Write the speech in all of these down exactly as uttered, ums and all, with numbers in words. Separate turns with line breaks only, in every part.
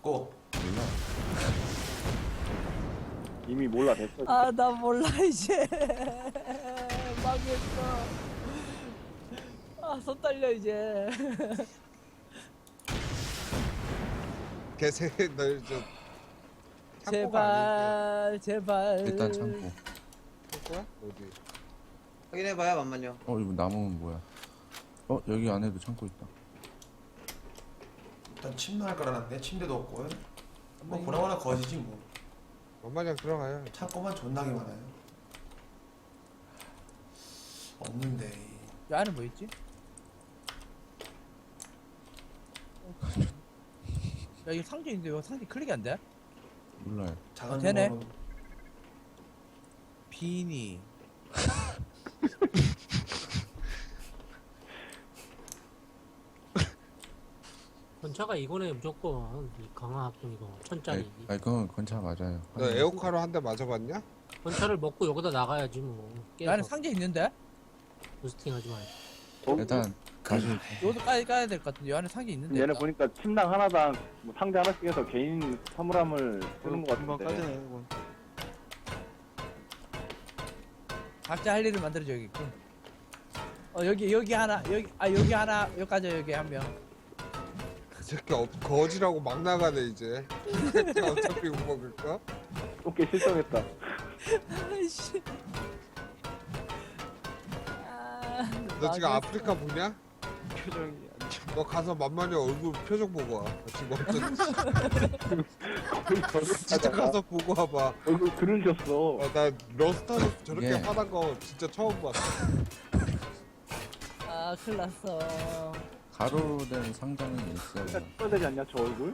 고.
몰라.
이미 몰라 됐어.
아, 나 몰라 이제. 망했어. 아, 손 떨려 이제.
개새 널저
제발, 제발.
일단 창고.
창고야? 어디?
확인해봐요. 잠만요.
어 이거 나무는 뭐야? 어 여기 안에도 창고 있다.
일단 침낭 할 깔아놨네. 침대도 없고. 뭐 보나마나 거지지 뭐.
엄마랑 들어가요.
창고만 존나게 많아요. 없는데.
이 안에 뭐 있지? 야, 이거 상자 있는데 왜 상자 클릭이 안 돼?
몰라요.
작은
어, 되네.
거는
비니.
건차가 이거네 무조건 이 강화학동 이거 천짜리.
아니, 아니 그건 건차 맞아요.
너 에어카로 한 대 맞아봤냐?
건차를 먹고 여기다 나가야지 뭐.
이 안에
깨서
상자 있는데?
부스팅하지 말고.
일단 다시
여기도 까야, 까야 될 것 같은데 이 안에 상자 있는데?
얘네
일단.
보니까 침낭 하나당 뭐 상자 하나씩 해서 개인 사물함을 쓰는 것 같은데.
각자 할 일을 만들어줘야겠군. 어, 여기, 여기 하나, 여기, 아, 여기 하나, 여기까지 여기 한 명.
그 새끼 어, 거지라고 막 나가네 이제. 그 새끼 어차피 못 먹을까?
오케이 실성했다.
아이씨. 아,
너 지금
망했어.
아프리카 보냐?
표정이
너 가서 만만히 얼굴 표정 보고 와. 지금 어쩐지.
거의 저를
진짜 가서 보고 와봐.
얼굴 그늘졌어.
어, 나 러스타로 저렇게
예.
화난 거 진짜 처음 봤어.
아, 큰일 났어.
가로된 상자는 있어요.
진짜 찍어야 되지 않냐 저 얼굴?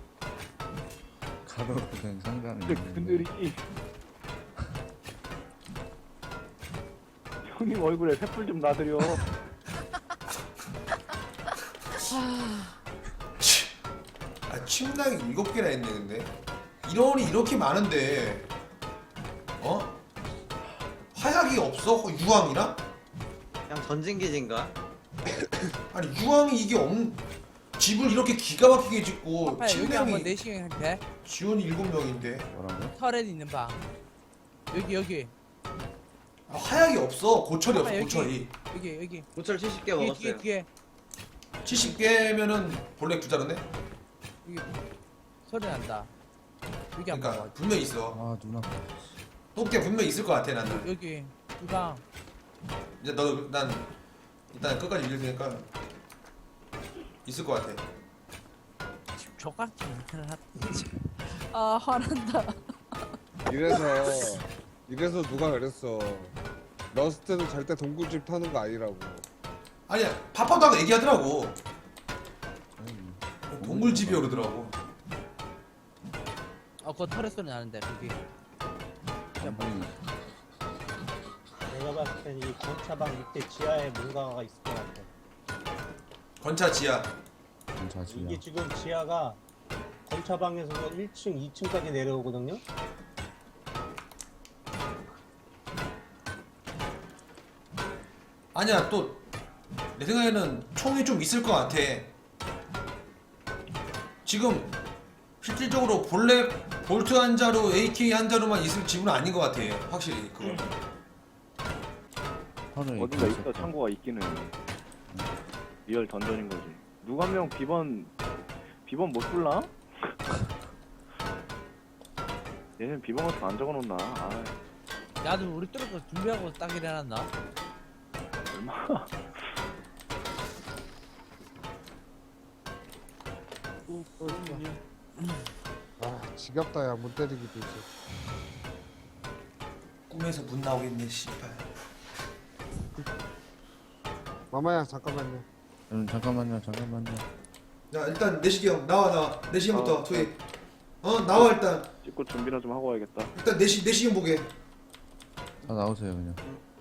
가로된 상자는
근데
있는데.
그늘이 형님 얼굴에 횃불 좀 놔드려.
아, 침낭이 일곱 개나 있네 근데. 인원이 이렇게 많은데 어? 화약이 없어? 유황이랑?
그냥 전진기지인가?
아니 유황이 이게 없 집을 이렇게 기가 막히게 짓고
아빠 여기 한번
침낭이
내시경 돼?
지원이 일곱 명인데
뭐라고?
터렛 있는 방. 여기 여기
아, 화약이 없어. 고철이
아빠,
없어.
여기.
고철이
여기 여기.
고철 칠십 개
뒤에 뒤에
먹었어요.
뒤에
칠십 개면은 본래 부자르네.
여기 소리 난다. 여기 한번
그러니까
봐.
분명 히 있어.
아 눈 아파.
똥개 분명 히 있을 것 같아 나는.
여기 이 방.
이제 너 난 일단 끝까지 읽을 테니까 있을 것 같아.
족같지 아 화난다.
이래서 이래서 누가 그랬어. 러스트는 절대 동굴집 타는 거 아니라고.
아니야 파파도 얘기하더라고.
아니,
동굴집이 오르더라고.
어 그거 터렛 소리 나는데 여기.
아니,
내가 봤을 땐 이 건차방 밑에 지하에 뭔가가 있을 것 같아.
건차 지하.
건차 지야.
이게 지금 지하가 건차방에서 일 층, 이 층까지 내려오거든요.
아니야 또 내 생각에는 총이 좀 있을 것 같아. 지금 실질적으로 본래 볼트 한 자루, 에이케이 한 자루만 있을 집은 아닌 것 같아. 확실히 그건.
하루에
어딘가
있을
있어
거야.
창고가 있기는. 리얼 던전인 거지. 누가 한 명 비번 비번 못 불라? 얘는 비번 같은 거안 적어놓나? 아
나도 우리 뚫고 준비하고 딱 일어났나?
얼마?
아 지겹다 야 못 때리기도 이제.
꿈에서 문 나오겠네 씨발.
마마야 잠깐만요.
음, 잠깐만요, 잠깐만요.
자 일단 내시경 나와 나와. 내시경부터
어,
투입. 어 나와 일단.
찍고 준비나 좀 하고 와야겠다.
일단 내시 내시경 보게.
다 나오세요 그냥.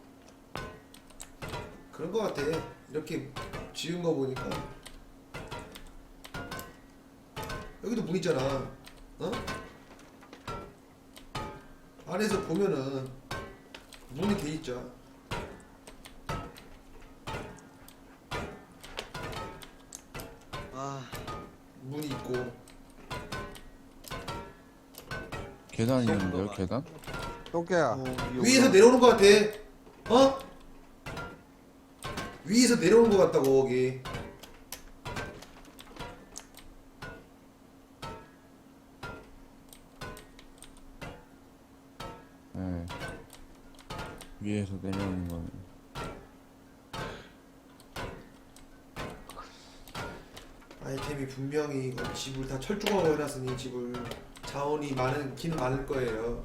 그런 거 같아. 이렇게 지은 거 보니까 여기도 문 있잖아. 어? 안에서 보면은 문이 돼 있죠.
아,
문이 있고
계단이었는데요, 계단?
똥개야.
위에서 내려오는 것 같아. 어? 위에서 내려오는 것 같다고 거기.
네. 위에서 내려오는 거는.
아이템이 분명히 이거 집을 다 철조망으로 해놨으니 집을 자원이 많은 긴 많을 거예요.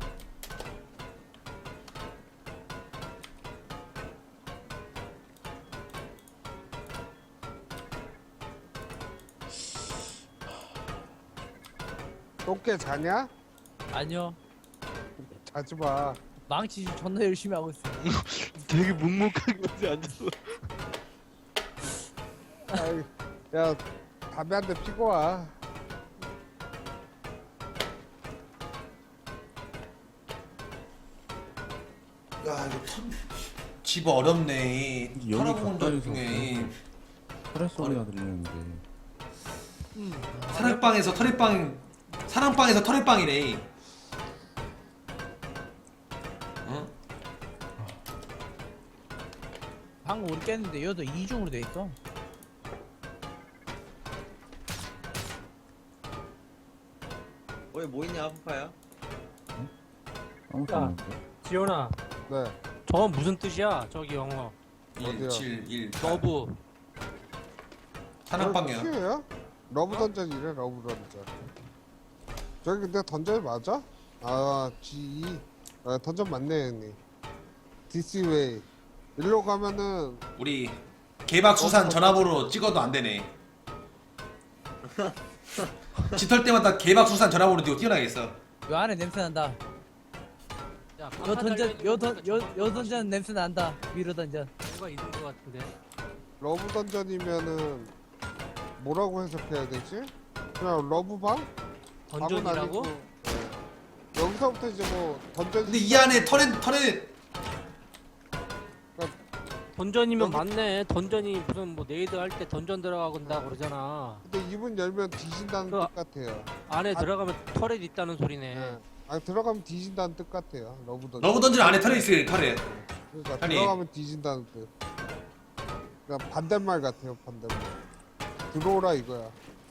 똥개 자냐?
아니요.
자지 마.
망치 존나 열심히 하고 있어.
되게 묵묵하게 어디 앉았어.
아이, 야 담배 한 대 피고 와.
야 이거 턴... 집 어렵네.
여기
살아본 적
가까이서
중에
터렛 소리가 들리는데.
사랑방에서 터렛방 사랑방에서 터렛방이네. 어?
방금 우리 깼는데 여도 이중으로 돼 있어.
왜 뭐 있냐 아프파야?
아무것도
야.
안 했어요.
지연아,
네.
저건 무슨 뜻이야? 저기 영어.
어디요?
일, 칠, 일,
러브.
사랑방이야.
큐야? 러브 던전이래 러브 던전. 저기 근데 던전 맞아? 아 지 아, 던전 맞네 형님. This way. 일로 가면은
우리 개박수산 전화번호 찍어도 안 되네. 짙을 때마다 개박수산 전화번호 띄고 뛰어나겠어.
요 안에 냄새 난다.
야,
요 던전 요던요요 던전 냄새 난다. 위로 던전.
뭔가 있는 것 같은데.
러브 던전이면은 뭐라고 해석해야 되지? 그냥 러브방? 방은
던전이라고?
아니고, 네. 여기서부터 이제 뭐 던전.
근데 이 안에 터렛 터렛
던전이면
여기-
맞네. 던전이 무슨 뭐 네이드 할 때 던전 들어가건다 그러잖아.
근데 이문 열면 뒤진다는
그-
뜻 같아요.
안에
아-
들어가면 터렛 있다는 소리네.
네. 아 들어가면 뒤진다는 뜻 같아요. 러브 던전.
러브 던전 안에 터렛 있어요. 터렛.
그러니까
아니.
들어가면 뒤진다는 뜻. 그러니까 반대말 같아요. 반대말. 들어오라 이거야.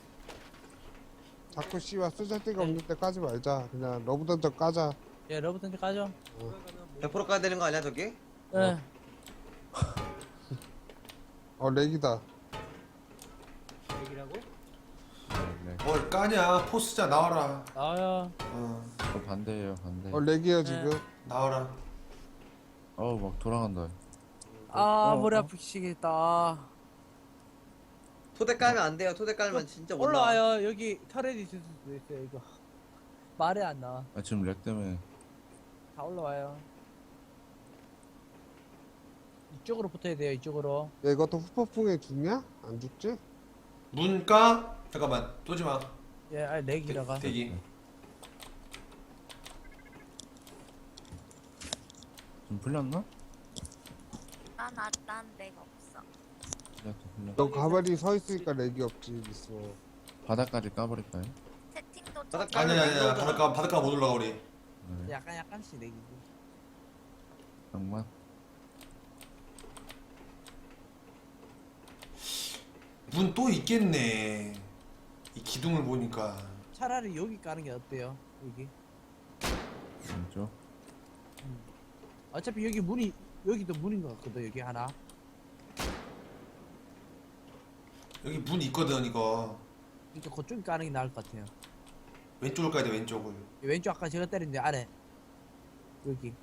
자꾸 씨와 쓰잘데기 없는 때 까지 말자. 그냥 러브 던전 까자.
예, 러브 던전 까죠.
백 퍼센트 까야 되는 거 아니야 저기?
예.
어 렉이다.
얘기라고?
네,
뭘 까냐? 포스자 나와라.
나와요.
어,
저 반대예요, 반대.
어 렉이에요
네.
지금.
나와라.
어우, 막 돌아간다.
아
어,
머리
어.
아프시겠다.
토대 깔면 안 돼요. 토대 깔면 진짜 못 나와.
올라와요. 여기 터렛 있을 수도 있어요. 이거 말이 안 나와.
아, 지금 렉 때문에.
다 올라와요. 이쪽으로 붙어야 돼요. 이쪽으로.
야 이것도 후폭풍에 죽냐? 안 죽지?
문 까? 잠깐만. 쏘지 마.
예, 아 렉이라가.
대기.
좀 풀렸나?
난, 아, 난 내가 없어.
풀렸다, 풀렸다.
너 가만히 서 있으니까 렉이 없지 있어.
바닥까지 까버릴까요?
채팅도
바닥
좀-
아니야 아니야. 바닷가 바닷가 못 올라가 우리.
네,
약간 약간씩 렉이고.
장만.
문 또 있겠네. 이 기둥을 보니까.
차라리 여기 까는 게 어때요? 여기.
왼쪽.
어차피 여기 문이 여기도 문인 것 같거든. 여기 하나.
여기 문 있거든 이거.
그러니까 그쪽 까는 게 나을 것 같아요.
왼쪽을 까야 돼 왼쪽을.
왼쪽 아까 제가 때렸는데 아래. 여기.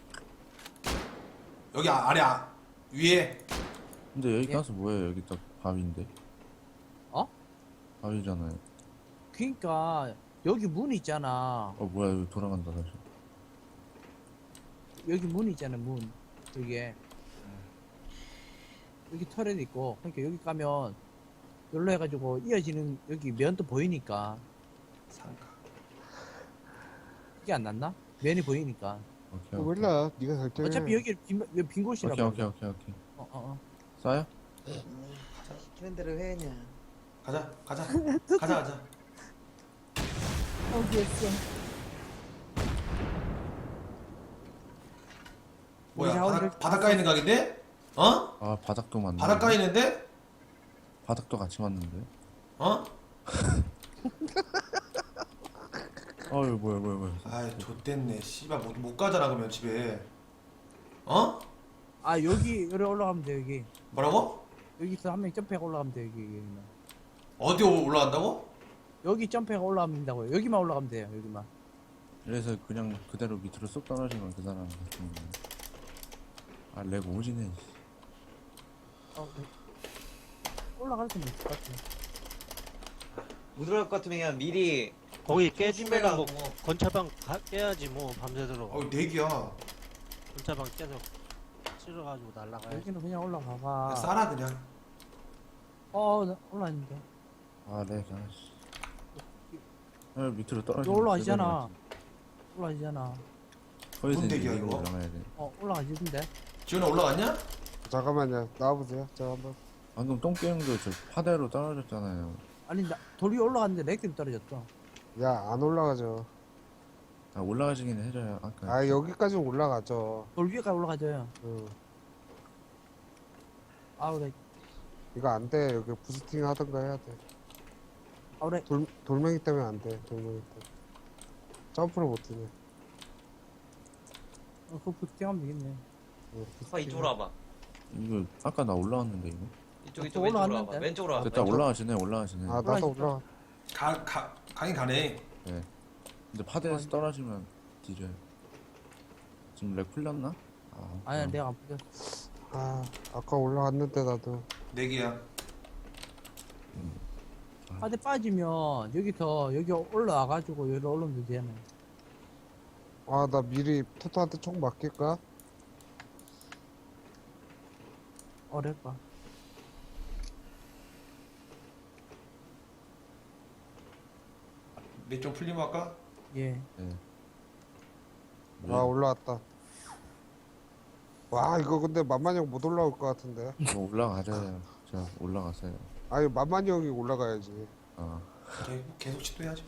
여기 아, 아래 아, 위에.
근데 여기
예?
가서 뭐예요? 여기 딱 바위인데.
어?
바위잖아요.
그러니까 여기 문 있잖아.
어, 뭐야, 여기 돌아간다, 다시.
여기 문 있잖아. 문. 여기에. 여기 터렛 있고. 그러니까 여기 가면 여기로 해가지고 이어지는 여기 면도 보이니까.
상가.
그게 안 났나? 면이 보이니까.
오케이,
어,
오케이.
몰라. 네가 결정해.
어차피 여기 빈, 여기 빈 곳이라고.
오케이, 오케이, 오케이, 오케이.
어, 어, 어.
싸요?
시키는 대로 해 그냥.
가자 가자 가자 가자.
어디였어?
뭐야
우리 자원들-
바닥, 바닷가에 있는 각인데? 어?
아 바닥도 맞네.
바닷가에 있는데?
바닥도 같이 맞는데.
어?
어유 뭐야 뭐야 뭐야.
아이 좆됐네 씨발 못, 못 가잖아 그러면 집에 어?
아 여기 여기 올라가면 돼 여기.
뭐라고?
여기서 한 명 점프해가 올라가면 돼 여기. 여기.
어디 올라간다고?
여기 점프해가 올라가면 된다고요. 여기만 올라가면 돼요 여기만.
그래서 그냥 그대로 밑으로 쏙 떨어지면 그 사람 같은 거. 아렉 오지네.
어, 네. 올라갈 수는 있을 것 같아.
못 들어갈 것 같으면 그냥 미리
거기 깨지면 뭐
준비하고.
건차방 가, 깨야지 뭐 밤새도록.
어 내기야
건차방 깨서 찔러가지고 날라가야지.
여기는 그냥 올라가봐.
싸라 그냥
어 나 올라왔는데.
아렉 아씨. 아 밑으로
너
떨어지면
올라가시잖아. 올라가시잖아.
거기서
뭔
이제
얘기야,
이거
이거?
올라가야 돼.
어 올라가시던데.
지훈아 올라갔냐?
잠깐만요. 나와보세요. 제가 한번.
방금 똥게임도 저 파대로 떨어졌잖아요.
아니 나 돌 위에 올라갔는데 렉 때문에 떨어졌어.
야, 안 올라가죠.
아 올라가시긴 해줘요. 아까.
아, 여기까지 올라가죠.
돌 위에까지 올라가져요.
응.
아우 렉.
이거 안 돼. 여기 부스팅 하던가 해야 돼.
아우 렉.
돌, 돌멩이 때문에 안 돼. 돌멩이 때문에. 점프를 못 뛰네.
어, 그거 부팅하면 되겠네.
응,
오빠 이쪽으로 와봐.
이거 아까 나 올라왔는데 이거.
이쪽
아,
이쪽
또
왼쪽으로
올라왔는데?
와봐. 왼쪽으로 와봐.
됐다
왼쪽.
올라가시네 올라가시네.
아, 나도
올라가니까.
올라가.
가, 가, 가긴 가네
근데 파대에서 떨어지면 뒤져요. 지금 렉 풀렸나? 아,
아니야
아.
내가 안 풀렸어.
아, 아까 올라갔는데 나도.
내기야
파대 빠지면 여기서 여기 올라와가지고 여기 올라오면 되잖아.
아, 나 미리 토토한테 총 맡길까?
어렵다.
내 좀 풀리면 할까?
예.
네.
아, 올라왔다. 와, 이거 근데 만만히 형 못 올라올 것 같은데.
이거 올라가자요. 자 올라갔어요.
아니, 만만히 형이 올라가야지.
아
그래 계속 시도해야지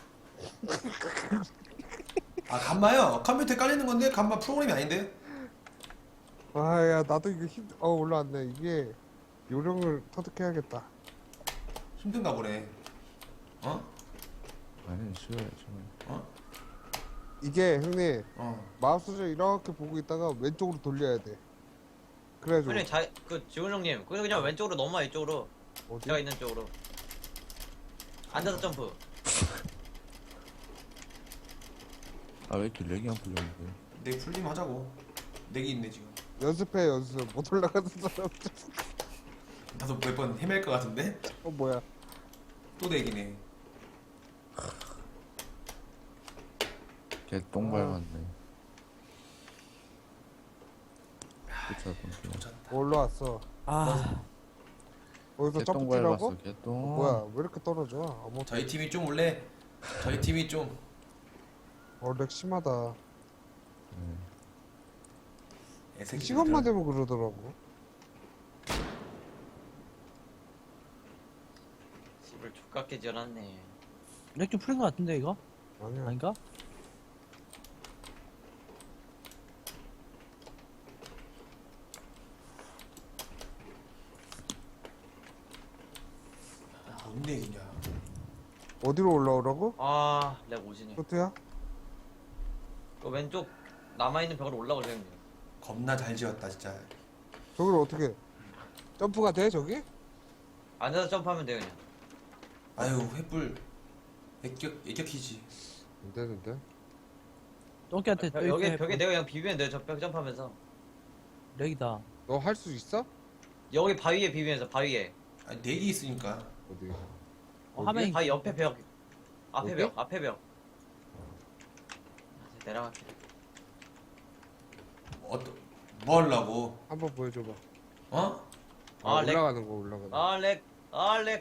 아 간마요 컴퓨터에 깔리는 건데 간마 프로그램이 아닌데
아, 야, 나도 이거 힘, 어, 올라왔네. 이게 요령을 터득해야겠다.
힘든가 보네 어?
아니 쉬워요 쉬워요.
이게 형님,
어
마우스를 이렇게 보고 있다가 왼쪽으로 돌려야 돼. 그래가지고.
형님 자그 지훈 형님 그냥 그냥 왼쪽으로 넘어와 이쪽으로.
어디?
제가 있는 쪽으로. 앉아서 점프.
아 왜 이렇게 렉이 안 풀렸는데?
내기 풀리면 하자고 내기 있네 지금
연습해, 연습. 못 올라가는 사람.
나도 몇 번 헤맬 것 같은데?
어, 뭐야.
또 내기네
개똥 밟았네. 그쵸 똥.
올라왔어.
아
거기서 점프
개똥
뛰라고?
밟았어 개똥.
뭐야, 왜 이렇게 떨어져? 어머,
저희 팀이 좀 원래 저희 팀이 좀
어, 렉 심하다.
애새끼들
이 시간만 되면 그러더라고.
집을 족같게 지어놨네.
렉 좀 풀린 것 같은데 이거?
아니야.
아닌가?
뭔 내기냐
어디로 올라오라고?
아, 렉 오지네.
토트야?
그 왼쪽 남아있는 벽으로 올라오세요 형님.
겁나 잘 지었다 진짜
저기를 어떻게? 점프가 돼, 저기?
앉아서 점프하면 돼요 그냥.
아유 횃불 애격, 애격이지
안 되는데.
똥개한테
벽, 여기 벽에 내가 그냥 비비면 돼요. 저 벽 점프하면서.
렉이다.
너 할 수 있어?
여기 바위에 비비면서 바위에.
아니 내기 있으니까
어디?
어, 화면이
바위 옆에 벽. 앞에
여기?
벽. 앞에 벽. 아, 내려갈게.
어, 뭐 하려고
한번 보여줘봐.
어?
아,
아, 렉.
올라가는 거, 올라가는 거.
아 렉. 아 렉.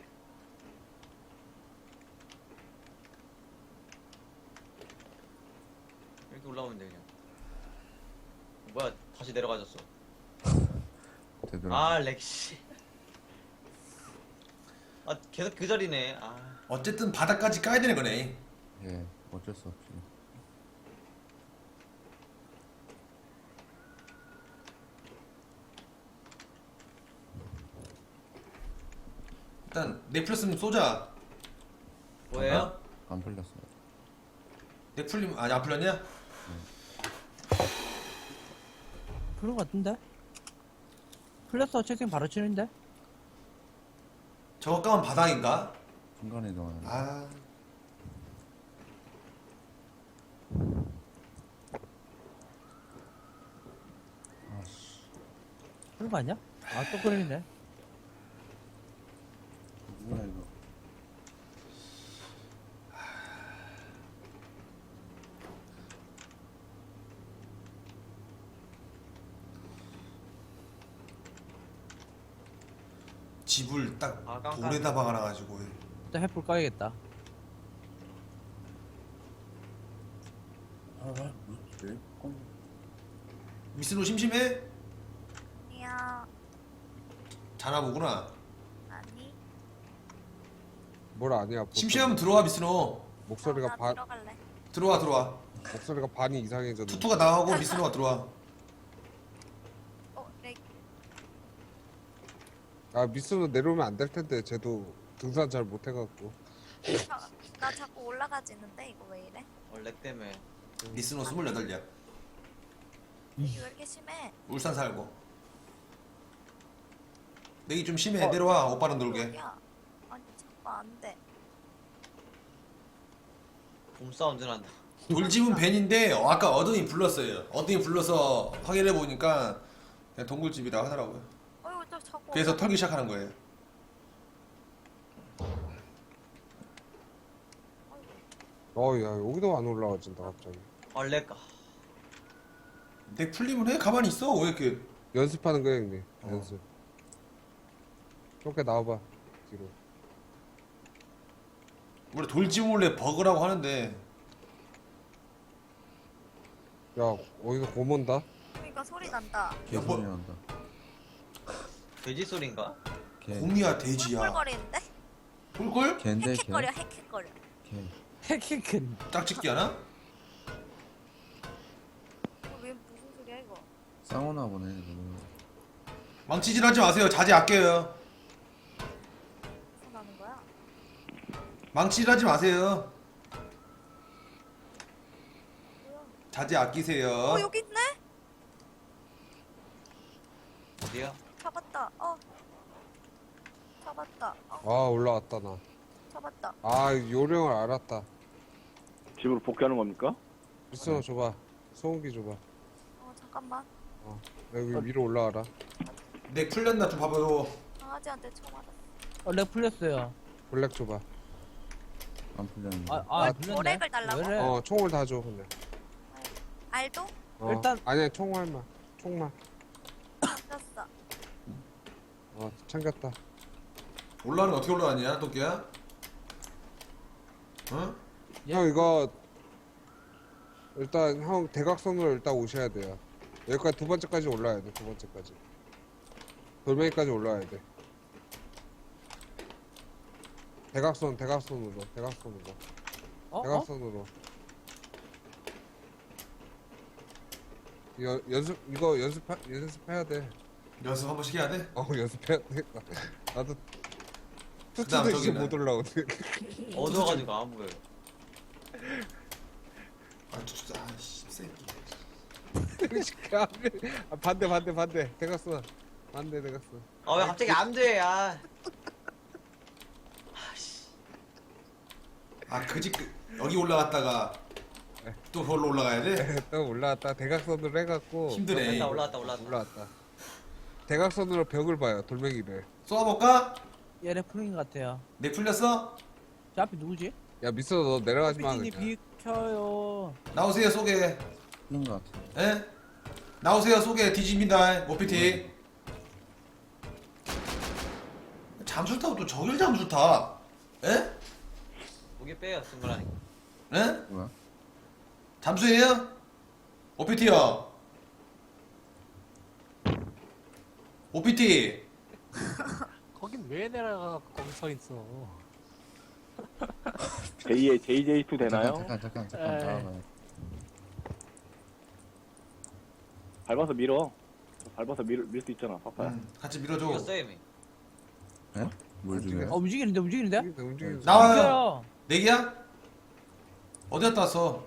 이렇게 올라오면 돼 그냥. 뭐야 다시 내려가졌어.
되더라.
아 렉 씨. 아 계속 그 자리네. 아.
어쨌든 바닥까지 까야 되는 거네
예 어쩔 수 없이.
일단 넥플렸으면 쏘자.
뭐예요?
안 풀렸어요.
넥플림 아니 안 풀렸냐?
그런 거 같은데? 풀렸어. 채팅 바로 치는데?
저거 까면 바닥인가?
중간에 넣어요.
아
아씨.
그런 거 아니야? 아, 또 그러네.
뭐야 이거.
집을 딱
아, 깜깜.
돌에다 박아놔가지고.
일단 햇불 까야겠다.
아 뭐지? 어,
미스노 심심해?
아니야.
자나 보구나.
아니.
뭘 아니야.
심심하면 들어와 미스노.
목소리가
나
반
들어갈래.
들어와 들어와.
목소리가 반이 이상해졌네.
투투가 나가고 미스노가 들어와.
어, 렉.
아 미스는 내려오면 안 될 텐데 쟤도 등산 잘 못해갖고.
자, 나 자꾸 올라가지는데 이거 왜 이래?
원래 때문에.
미스노 스물여덟이야.
이게 왜 이렇게 심해?
울산 살고. 내기 좀 심해. 내려와 오빠랑 놀게.
야, 아니 자꾸 안 돼.
봄 사운드 난다.
돌집은 벤인데 어, 아까 어든이 불렀어요. 어든이 불러서 확인해 보니까 그냥 동굴집이라 하더라고요.
어이구 저 자꾸.
그래서 털기 시작하는 거예요.
어야 여기도 안 올라와진다 갑자기.
원래까.
내 풀리면 해. 가만히 있어. 왜 이렇게
연습하는 거야 형님.
어.
연습. 좁게 나와봐 뒤로.
원래 돌집 원래 버그라고 하는데
야 어디서 고몬다?
그러니까 소리 난다.
개 소리 난다.
돼지 소린가?
개.
곰이야 돼지야.
꿀꿀거리는데?
꿀꿀?
개인데 개.
헥헥거려 헥헥거려.
개.
헤키큰.
짝짓기 하나?
어, 왜 무슨 소리야 이거?
싸우나 보네. 지금.
망치질하지 마세요. 자제 아껴요.
무슨 나는 거야?
망치질하지 마세요.
뭐야?
자제 아끼세요.
어 여기 있네?
어디야?
잡았다. 어. 잡았다. 어,
아 올라왔다 나.
잡았다.
아 요령을 알았다.
집으로 복귀하는 겁니까?
미스너 줘봐. 소음기 줘봐.
어 잠깐만.
여기 위로 올라와라.
내 풀렸나 좀 봐봐요.
강아지한테 쳐 맞았어.
어, 렉 풀렸어요.
블랙 줘봐.
안 풀렸는데.
아, 아,
아,
풀렸네.
오렉을 달라고?
왜 이래?
어 총을 다 줘 그냥.
알도?
어.
일단-
아니야 총알만. 총만.
잡혔어.
어 챙겼다.
올라가는 거 어떻게 올라가냐 토끼야? 어?
예.
형 이거 일단 형 대각선으로 일단 오셔야 돼요. 여기까지 두 번째까지 올라야 돼. 두 번째까지. 돌멩이까지 올라야 돼. 대각선 대각선으로 대각선으로
어? 어?
대각선으로. 이거 연습 이거 연습 연습해야 돼.
연습 한 번씩 해야 돼?
어 연습해야 돼. 나도
그다음
투투도 이제
저기는?
못 올라오네.
어두워가지고 안 보여.
아 진짜 아씨 새끼.
아, 반대 반대 반대 대각선 반대 대각선.
아 왜 갑자기 안 돼? 아.
아 그집 여기 올라갔다가 또 그걸로 올라가야 돼?
또 올라왔다 대각선으로 해갖고
힘드네.
올라왔다 올라왔다 올라왔다.
올라왔다. 대각선으로 벽을 봐요 돌멩이를.
쏘아볼까?
얘렉 풀린 것 같아요.
내 풀렸어?
저 앞에 누구지?
야 미스터 너 내려가지 마
피디님
그냥.
비켜요.
나오세요 쏘게.
풀린 것 같아.
에? 나오세요 쏘게 뒤집니다 모피티. 잠수 타고 또 저길 잠수 타. 에?
목에 빼요 승부라니.
에?
뭐야?
잠수해요? 오피티요. 오피티.
거긴 왜 내려가 거기 서 있어?
제이의 제이제이 투 되나요?
잠깐 잠깐 잠깐
에이.
잠깐.
밟아서 밀어. 밟아서 밀 밀 수 있잖아. 파파야.
음, 같이 밀어줘.
이겼어 이미.
뭘
움직여.
죽여요?
어 움직이는데 움직이는데?
움직인다, 움직인다.
나와요.
움직여요.
내기야? 어디 갔다 왔어?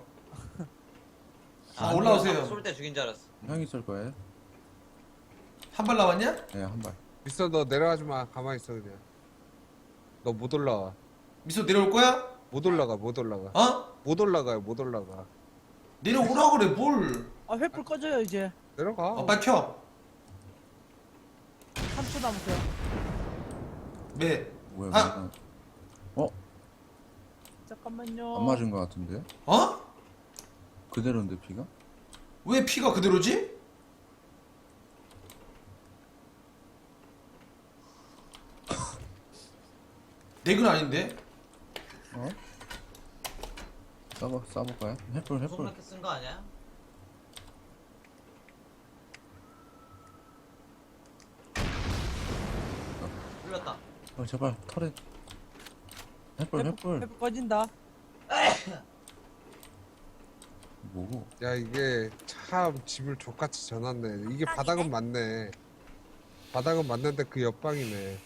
아, 올라오세요.
쏠 때 죽인 줄 알았어.
형이 쏠 거예요?
한 발 나왔냐?
네, 한 발.
있어, 너 내려가지 마. 가만히 있어 그냥. 너 못 올라와.
미소 내려올 거야?
못 올라가, 못 올라가.
어?
못 올라가요, 못 올라가.
내려오라 그래 뭘?
아 횃불 꺼져요 이제.
내려가.
어, 빨리 켜.
삼 초 남았어요.
매.
뭐야,
아!
뭐야.
잠깐만요.
안 맞은 거 같은데?
어?
그대로인데, 피가?
왜 피가 그대로지? 넥은 아닌데?
어? 싸봐, 싸볼까요? 햇불, 햇불.
손밖에 쓴거 아니야? 풀렸다.
어, 제발, 털에. 햇불, 햇불.
횃불 꺼진다.
뭐고?
야, 이게 참 집을 족같이 져놨네. 이게 바닥은 맞네. 바닥은 맞는데 그 옆방이네.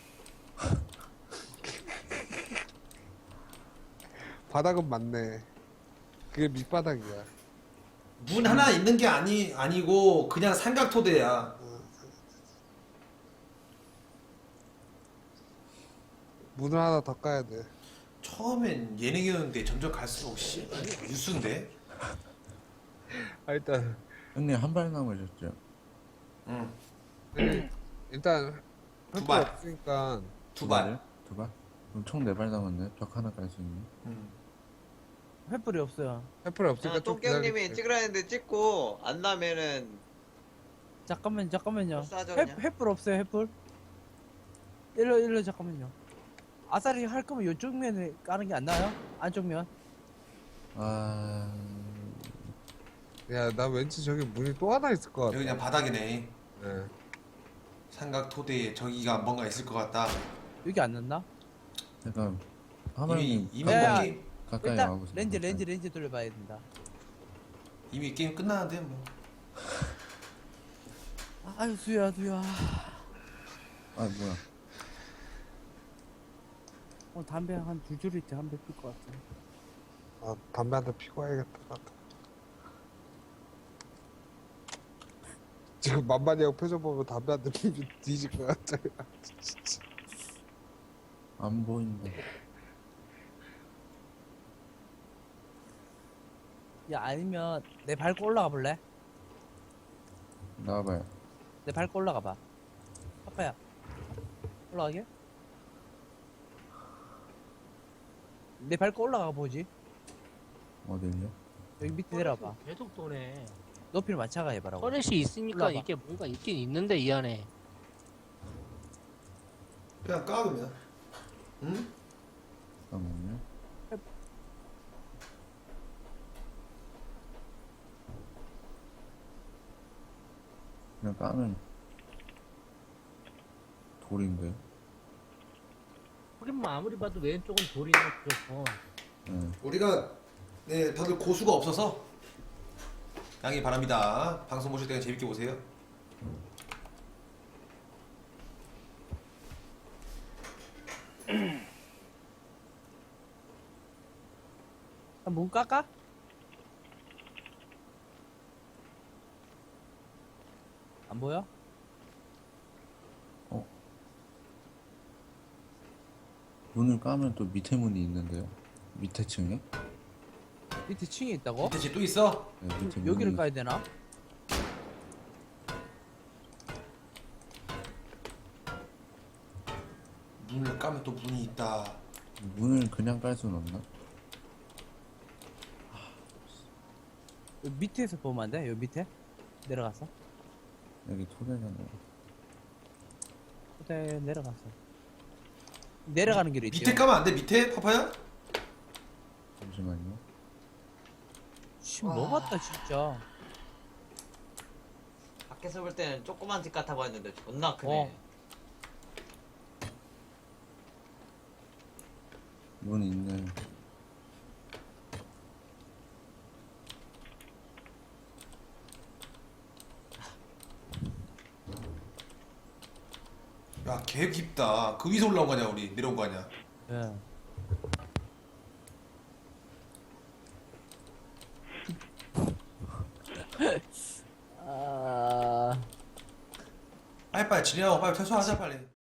바닥은 맞네. 그게 밑바닥이야.
문 하나 있는 게 아니 아니고 그냥 삼각토대야.
문을 하나 더 까야 돼.
처음엔 예능이었는데 점점 갈수록 씨 뉴스인데.
아, 일단
형님, 한 발 남으셨죠?
응.
일단
두
횃불
발.
없으니까
두 발.
두 발? 그럼 총 네 발 남았네. 벽 하나 깔 수 있는.
응.
횃불이 없어요.
횃불 없으니까 좀
똥개형님이
기다릴게.
찍으라 했는데 찍고 안 나면은
잠깐만 잠깐만요.
싸죠,
횃
그냥.
횃불 없어요 횃불. 일로 일로 잠깐만요. 아싸리 할 거면 이쪽 면에 까는 게 안 나요? 안쪽 면.
아.
야, 나 왠지 저기 문이 또 하나 있을 것 같아.
여기 그냥 바닥이네.
예.
삼각토대에 저기가 뭔가 있을 것 같다.
여기 안 났나?
약간,
이미
하나님
이미
야,
뭐 게임
가까이
일단
와보세요.
렌즈
가까이.
렌즈 렌즈 돌려봐야 된다.
이미 게임 끝나는데 뭐.
아유 수야 수야.
아, 뭐야.
어 담배 한 두 줄이 담배 필 것 같아.
아, 담배 한 대 피고 와야겠다. 나도. 지금 만만히 형 표정 보면 담배 한 대 피면 뒤질 것 같아.
안 보인다.
야 아니면 내 밟고 올라가 볼래?
나와봐요.
내 밟고 올라가 봐. 아빠야. 올라가게? 내 밟고 올라가 보지.
어딜요?
여기 밑에 내려봐.
계속 도네.
높이를 맞춰가 해봐라고.
터렛이 있으니까
올라와봐.
이게 뭔가 있긴 있는데 이 안에.
그냥 까 그러면. 응?
잠깐만요. 그냥 까면 돌인데.
하긴 뭐 아무리 봐도 왼쪽은 돌이네 그렇고.
네.
우리가 네 다들 고수가 없어서 양해 바랍니다. 방송 보실 때 재밌게 보세요.
아, 문 깎아? 안 보여?
문을 까면 또 밑에 문이 있는데요. 밑에 층에?
밑에 층이 있다고?
밑에 집 또 있어?
네, 밑에
그럼 여기를
문이-
가야 되나?
문을 까면 또 문이 있다.
문을 그냥 깔 수는 없나?
여기 밑에서 보면 안 돼? 여기 밑에? 내려가서?
여기 토대잖아요.
그때 내려가서 내려가는 길이 있지.
밑에 까면 안 돼? 밑에 파파야?
잠시만요.
씨, 뭐 같다 진짜.
밖에서 볼 때는 조그만 집 같아 보였는데 존나 크네.
어.
문 있네.
야, 개 깊다. 그 위에서 올라온 거냐, 우리? 내려온 거 아니야?
예. 아.
빨리 빨리 진행하고 빨리 퇴소하자 빨리.